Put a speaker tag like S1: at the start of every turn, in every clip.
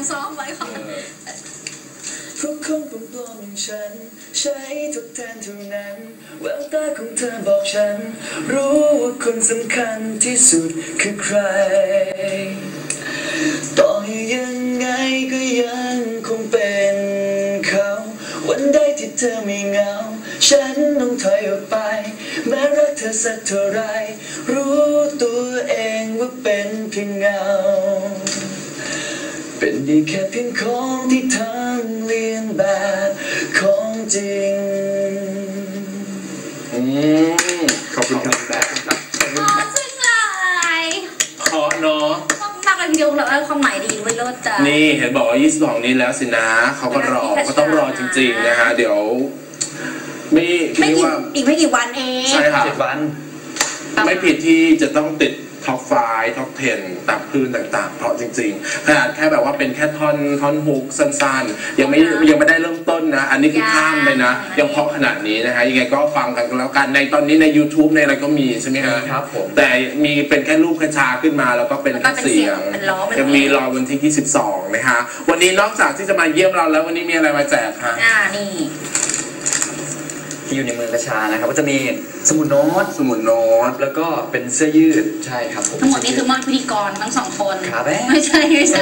S1: ซ้อมไว้ก่อน
S2: เพราะคนปลอมๆอย่างฉันใช้ทดแทนเท่านั้นแววตาของเธอบอกฉันรู้ว่าคนสำคัญที่สุดคือใครต่อให้ยังไงก็ยังคงเป็นเขาวันใดที่เธอไม่เหงาฉันต้องถอยออกไปแม้รักเธอสักเท่าไรรู้ตัวเองว่าเป็นเพียงเงาเป็นได้แค่เพียงของที่ทำเลียนแบบของจริง
S3: ขอบคุณครับ
S1: อ๋อซึ่งอะไร
S3: เพราะเนาะ
S1: มากเลยทีเดียวเลยความหมายดีด้วยเลิศจ้ะ
S3: นี่เห็นบอกว่า22นี้แล้วสินะเขาก็รอก็ต้องรอจริงๆนะฮะเดี๋ยว
S1: ไม่กี่อีกไม่กี่วันเอง
S3: ใช่ค่ะ
S2: 7 วัน
S3: ไม่ผิดที่จะต้องติดท็อป5ท็อป10ตามคลื่นต่างๆเพราะจริงๆขนาดแค่แบบว่าเป็นแค่ท่อนฮุกสั้นๆยังไม่ได้เริ่มต้นนะอันนี้คือข้ามไปนะยังเพราะขนาดนี้นะฮะยังไงก็ฟังกันแล้วกันในตอนนี้ใน YouTube ในอะไรก็มีใช่ไหม
S2: ครับผม
S3: แต่มีเป็นแค่รูปกระชาขึ้นมาแล้วก็เป็นแค่เสียงยังมีรอวันที่22นะฮะวันนี้นอกจากที่จะมาเยี่ยมเราแล้ววันนี้มีอะไรมาแจกคะ
S1: นี่
S2: ที่อยู่ในมือกระชานะครับก็จะมีสมุดโน้ตแล้วก็เป็นเสื้อยืดใช่ครับผม
S1: ทั้งหมดนี้คือมอนพิธีกรทั้งสองคน
S2: ครับ
S1: ไม่ใช่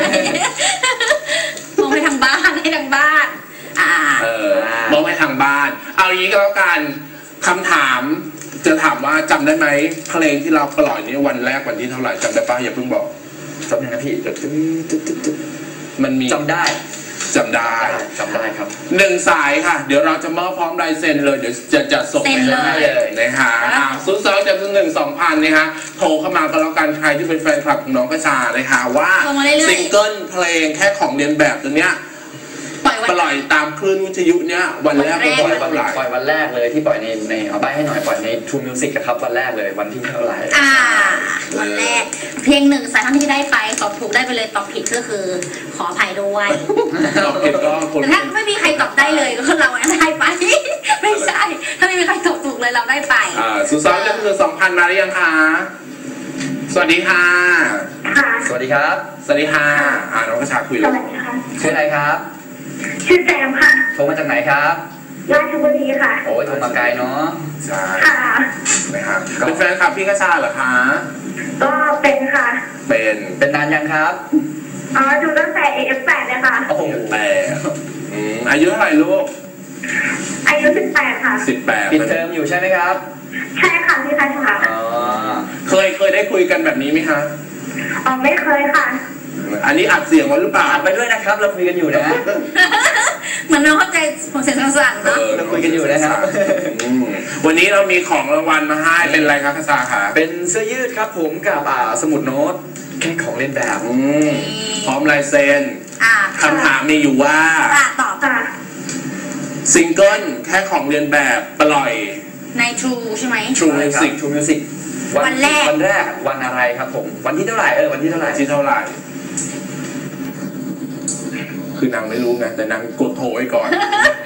S1: มองไปทางบ้านให้ทางบ้าน
S3: มองไปทางบ้านเอาอย่างนี้ก็แล้วกันคำถามจะถามว่าจำได้ไหมเพลงที่เราปล่อยนี้วันแรกวันที่เท่าไหร่จำได้ป่ะอย่าเพิ่งบอก
S2: จำได้นะพี่
S3: มันมี
S2: จำได้ครับ
S3: 1 สายค่ะเดี๋ยวเราจะมอบพร้อมลายเซ็นเลยเดี๋ยวจะส่งไปให้เลยนะฮะ02 701 2,000นะฮะโทรเข้ามาก็แล้วกันใครที่เป็นแฟนคลับของน้องกระชาเลยค่ะว่าซิงเกิลเพลงแค่ของเรียนแบบตัวเนี้ยปล่อยตามคลื่นวิทยุเนี้ยวันแรกปล่
S2: อยวันแรกเลยที่ปล่อยในเอาใบให้หน่อยปล่อยใน True Music ครับวันแรกเลยวันที่เท่าไหร่
S1: วันแรกเพลง1 สายท่านที่ได้ไปตอบถูกได้ไปเลยตอบผิดก็คือขออภัยด้วย
S3: ตอบผิดก็
S1: แต่ถ้าไม่มีใครตอบได้เลยก็เราได้ไปไม่ใช่ถ้าไม่มีใครตอบถูกเลยเราได้ไป
S3: 02 701 2,000มาหรือยังคะสวัสดีค่ะ
S2: สวัสดีครับ
S3: สวัสดีค่ะน้องกระชาคุยเลย
S2: ชื่ออะไรครับ
S4: ชื่อแจมค่ะ
S2: โทรมาจากไหนครับ
S4: ราชบุรีค่ะ
S2: โอ้ยโทรมาไกลเนาะ
S3: ใช่
S4: ค่ะ
S3: นะครับเป็นแฟนคลับพี่กระชาเหรอคะ
S4: ก็เป็นค่ะ
S3: เป็น
S2: นานยังครับ
S4: ดูตั้งแต่ AF8 เลยค่ะ
S3: โอ้โหอายุเท่าไหร่ลูก
S4: อายุ18ค่ะ
S3: 18
S2: ปิดเทอมอยู่ใช่ไหมครับ
S4: ใช่ค่ะพี่กระชา
S3: เคยได้คุยกันแบบนี้ไหมคะ
S4: ไม่เคยค่ะ
S3: อันนี้อัดเสียงไว้หรือเปล่า
S2: อัดไปด้วยนะครับเราคุยกันอยู่นะ
S1: เหมือนเราเข้าใจผมเสียงสั่นๆเนาะ
S2: เราคุยกันอยู่นะครับ
S3: วันนี้เรามีของรางวัลมาให้เป็นอะไรครับกระชาคะ
S2: เป็นเสื้อยืดครับผมกับสมุดโน้ตแค่ของเล่นแบบ
S3: พร้อมลายเซ็นคำถามมีอยู่ว่า
S1: ตอบค่ะ
S3: ซิงเกิลแค่ของเรียนแบบปล่อย
S1: ใน True ใช่ไหม
S3: True Music
S1: วันแรก
S2: วันอะไรครับผมวันที่เท่าไหร่วันที่เท่าไหร่
S3: คือนางไม่รู้ไงแต่นางกดโทรไว้ก่อน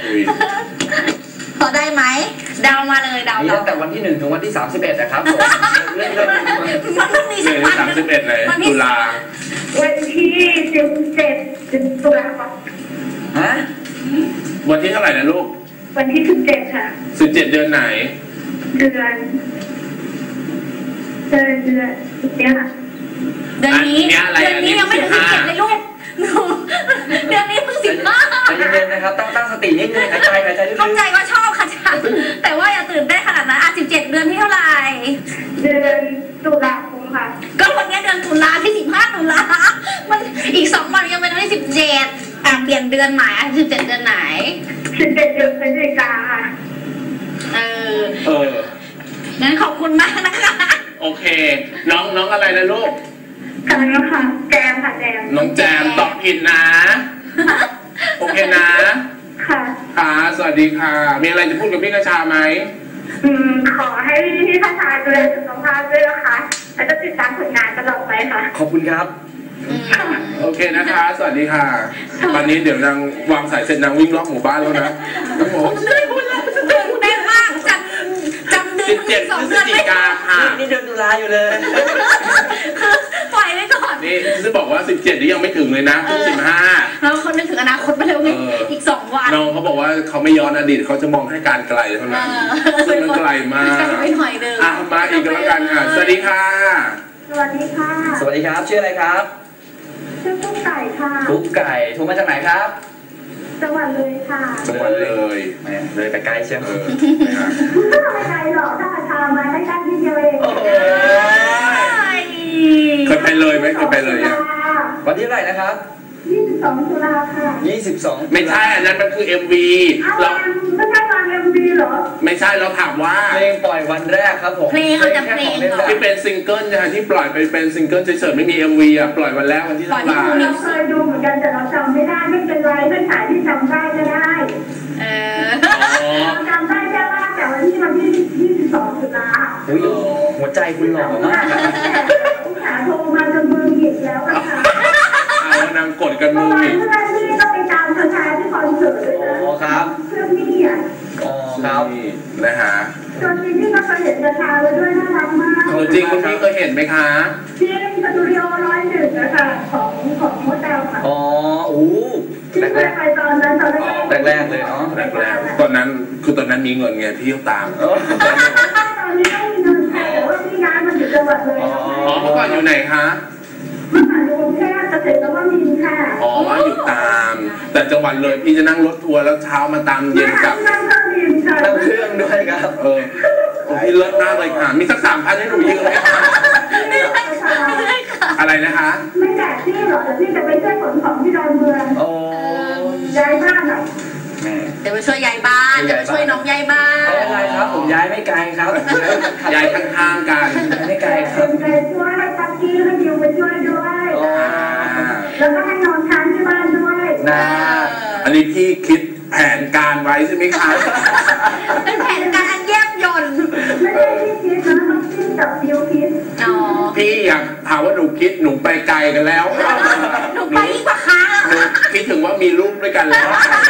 S1: พอได้ไหมเดามาเลยเดา
S2: ตั้งแต่วันที่1ถึงวันที่31นะครับผม
S1: เรื่องมีสักวัน
S3: 31เลยตุลา
S4: วันที่17ตุลาคม
S3: วันที่เท่าไหร่นะลูก
S4: วันที่17ค่ะ
S3: 17เดือนไหน
S4: เดือนเนี่ยค่ะ
S1: เดือนนี้ยังไม่ถึง17เลยลูกเดือนนี้เพิ่ง15
S2: ใจเย็นๆนะครับตั้งสตินิดนึงหายใจลึกๆ
S1: เข้าใจว่าชอบค่ะจ้ะแต่ว่าอย่าตื่นได้ขนาดนั้น17เดือนที่เท่าไหร่
S4: เดือนตุลาคมค่ะ
S1: ก็วันนี้เดือนตุลาที่15ตุลามันอีก2 วันยังเป็นวันที่17เปลี่ยนเดือนใหม่17เดือนไหน
S4: 17เดือนพฤศจิกาค่ะ
S1: งั้นขอบคุณมากนะคะ
S3: โอเคน้องอะไรนะลูก
S4: ค่ะแจมค่ะแจม
S3: น้องแจมตอบผิดนะโอเคนะค่ะสวัสดีค่ะมีอะไรจะพูดกับพี่กระชาไหม
S4: ขอให้พี่กระชาดูแลสุขภาพด้วยนะคะแล้วก็ติดตามผลงานตลอดไปค่ะ
S2: ขอบคุณครับ
S3: โอเคนะคะสวัสดีค่ะวันนี้เดี๋ยวนางวางสายเสร็จนางวิ่งรอบหมู่บ้านแล้วนะน้องหมู
S1: เต้นมากจำเดือน
S3: 17 พฤศจิกาค่ะ
S2: นี่เดือนตุลาอยู่เลย
S1: ปล่อยไว้ก่อน
S3: นี่จะบอกว่า17นี่ยังไม่ถึงเลยนะเพิ่ง15
S1: แล้วเขานึกถึงอนาคตไปแล้วไงอีก2 วัน
S3: น้องเขาบอกว่าเขาไม่ย้อนอดีตเขาจะมองแค่การไกลเท่านั้นซึ่งมันไกลมาก
S1: ไม่หน่อยเดิม
S3: มาอีกแล้วกันค่ะสวัสดีค่ะ
S4: สวัสดีค่ะ
S2: สวัสดีครับชื่ออะไรครับ
S4: ชื่อกุ๊กไก่ค่ะ
S2: กุ๊กไก่โทรมาจากไหนครับ
S4: จังหวัดเลยค่ะ
S3: จังหวัดเลย
S2: เลยไปไกลใช่ไหม
S4: ไม่ไกลหรอกถ้าทางมาใกล้ๆที่เดียวเอง
S3: เคยไปเลยไหมเคยไปเลยยัง
S2: วันที่เท่าไหร่นะครับ
S4: 22 ตุลาค่ะ
S2: 22
S3: ไม่ใช่อันนั้นมันคือ MV
S4: เราไม่ใช่ฟัง MV เหรอ
S3: ไม่ใช่เราถามว่า
S2: เพลงปล่อยวันแรกครับผม
S1: เพลงเราจะเพลง
S3: ที่เป็นซิงเกิลนะที่ปล่อยไปเป็นซิงเกิลเฉยๆไม่มี MV อ่ะปล่อยวันแรกวันที่เท่าไหร่
S4: เราเคยดูเหมือนกันแต่เราจำไม่ได้ไม่เป็นไรไม่ขายที่จำได้ก็ได้เราจำได้แค่ว่าแต่วันที่22 ตุลา
S2: หัวใจคุณหล่อมาก
S4: ผู้ชายโทรมาจนมือหยิบแล้วค่ะ
S3: นางกดกันมือ
S4: เพื่อนที่ก็ไปตามเธอชายที่คอนเสิร์ตด้วยนะครับเพื่อนนี่อ่ะ
S2: ครับ
S3: นะฮะ
S4: ตัวจริงที่ก็เคยเห็นเธอชายแล้วด้วยน่ารักมาก
S3: ตัวจริงคุณพี่เคยเห็นไหมคะ
S4: ที่สตูดิโอ101นะคะของโมเดลค่ะ
S2: แรก
S4: ไปตอนนั้น
S2: แรกเลยเนาะ
S3: แรกตอนนั้นคือตอนนั้นมีเงินไงพี่ตาม
S4: ตอนนี้ไม่มีเงินแต่ว่าพี่ย้ายมาอยู่จังหวัดเลย
S3: เมื่อก่อนอยู่ไหนคะ
S4: เมื่อก่อนอยู่กรุงเทพเกษตรนวมินทร์ค่ะ
S3: อยู่ตามแต่จังหวัดเลยพี่จะนั่งรถทัวร์แล้วเช้ามาตามเย็นกลับ
S4: นั่ง
S2: เครื่องด้วยครับ
S3: พี่เลิศมากเลยค่ะมีสัก3,000ให้หนูยืมไหมคะอะไรนะคะ
S4: ไม่แจกที่หรอกแต่พี่จะไปช่วยขนของที่ดอนเมืองย้ายบ้านหน่อย
S1: เดี๋ยวไปช่วยย้ายบ้านเดี๋ยวไปช่วยน้องย้ายบ้าน
S2: ไม่เป็นไรครับผมย้ายไม่ไกลครับ
S3: ย้ายข้างๆกัน
S2: ไม่ไกลครับ
S4: ไปช่วยตักกี้ให้ดิวไปช่วยด้วยแล้วก็ให้นอนค้างที่บ้านด้วย
S3: อันนี้พี่คิดแผนการไว้ใช่ไหมคะ
S1: เป็นแผนการแยบยนต์
S4: ไม่ใช่พี่คิดนะต้องคิดกับดิวคิด
S3: พี่อยากถามว่าหนูคิดหนูไปไกลกันแล้ว
S1: หนูไปยิ่งกว่าค้า
S3: หนูคิดถึงว่ามีลูกด้วยกันแล้ว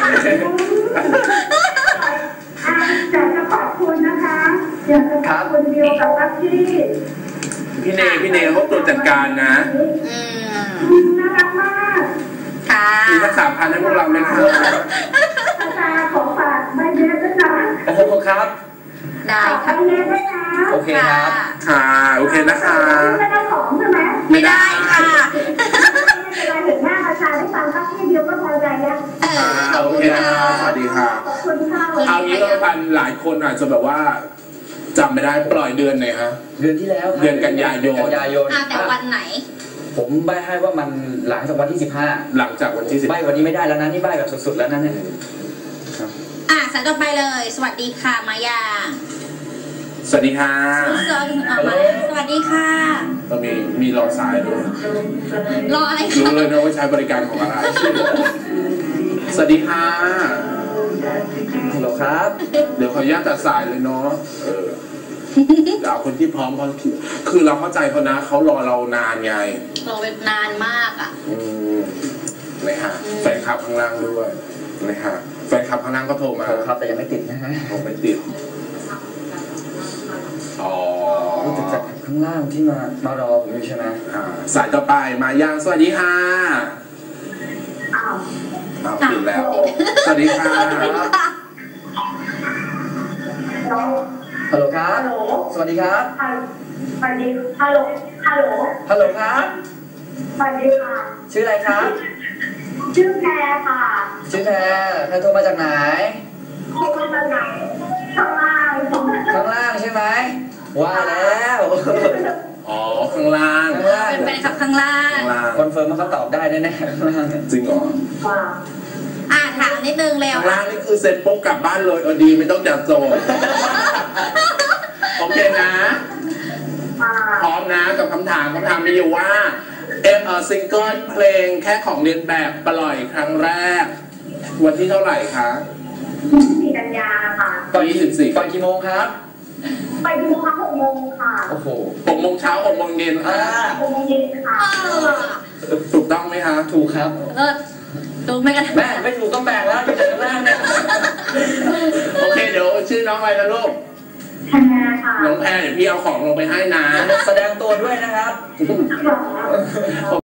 S4: อยากจะขอบคุณนะคะอยากจะขอบคุณดิวกับตั๊กกี้
S3: พี่เนเขาตัวจัดการนะ
S4: น่ารักมาก
S1: ค่ะ
S3: มีสัก3,000ให้พวกเราไหมคะ
S4: ของฝากใบเล็บด้วยนะ
S2: ครับ
S1: ได้ค่ะ
S4: ใบเล็บด้วยนะ
S2: โอเคครับ
S3: ค่ะโอเคนะคะ
S4: ไม่ได้ของใช่ไหม
S1: ไม่ได้ค่ะ
S4: เวลาเห็นหน้าประชาได้ฟังตั๊กกี้เดียวก็พอใจแล้ว
S3: โอเคนะคะสวัสดีค่ะ
S4: ขอบคุณค่ะ
S3: เอางี้ก็พันหลายคนอาจจะแบบว่าจำไม่ได้ปล่อยเดือนไหนฮะ
S2: เดือนที่แล้ว
S3: เดือนกันยายน
S1: แต่วันไหน
S2: ผมใบ้ให้ว่ามันหลังจากวันที่15
S3: หลังจากวันที่10ใบ้
S2: วันนี้ไม่ได้แล้วนะนี่ใบ้แบบสุดๆแล้วนั่นเนี่ย
S1: สายต่อไปเลยสวัสดีค่ะมายา
S3: สวัสดีค่ะ
S1: สวัสดีค่ะ
S3: เรามีรอสายด้วย
S1: รออะไร
S3: รู้เลยนะว่าใช้บริการของอะไรสวัสดีค่ะ
S2: ฮัลโหลครับ
S3: เดี๋ยวขออนุญาตตัดสายเลยเนาะเดี๋ยวคนที่พร้อมคือเราเข้าใจเขานะเขารอเรานานไง
S1: รอเป็นนานมากอ่ะ
S3: นะฮะแฟนคลับข้างล่างด้วยนะฮะแฟนคลับข้างล่างก็โทรมา
S2: ครับแต่ยังไม่ติดนะฮะ
S3: ผมไม่ติด
S2: ติดจากข้างล่างที่มารอผมอยู่ใช่ไหม
S3: สายต่อไปมายังสวัสดีค่ะติดแล้วสวัสดีค่ะ
S2: ฮัลโหลครับสวัสดีครับ
S4: สวัสดีฮัลโหลฮัลโหล
S2: ฮัลโหลครับ
S4: สวัสดีค่ะ
S2: ชื่ออะไรครับ
S4: ชื่อแพรค่ะ
S2: ชื่อแพรโทรมาจากไหน
S4: โทรมาจากไหนข้างล่าง
S2: ใช่ไหมว่าแล้ว
S3: ข้างล่าง
S1: เป็นแฟนคลับข้างล่าง
S2: คอนเฟิร์มว่าเขาตอบได้แน่ๆข้างล่าง
S3: จริงเหรอ
S1: ถามนิดนึงเร็ว
S3: ข้างล่างนี่คือเซ็นปุ๊บกลับบ้านเลยดีไม่ต้องจัดโจทย์โอเคนะพร้อมนะกับคำถามมีอยู่ว่าซิงเกิลเพลงแค่ของเรียนแบบปล่อยครั้งแรกวันที่เท่าไหร่คะ
S4: 4 กันยาค่ะ
S2: ตอน24ก่อนกี่โมงครับ
S4: ไปดูค่ะ6 โมงค่ะ
S2: โอ้โห
S3: 6 โมงเช้า6 โมงเย็น
S4: 6 โมงเย็นค่ะ
S3: ถูกต้องไหมคะ
S2: ถูกครับ
S1: ดูไม่กัน
S2: แม่ไม่ถูกต้องแบ่งแล้วอยู่ข้างล่างเนี่ย
S3: โอเคเดี๋ยวชื่อน้องอะไรนะลูก
S4: แพรค่ะ
S3: น้องแพรเดี๋ยวพี่เอาของลงไปให้นะ
S2: แสดงตัวด้วยนะครับ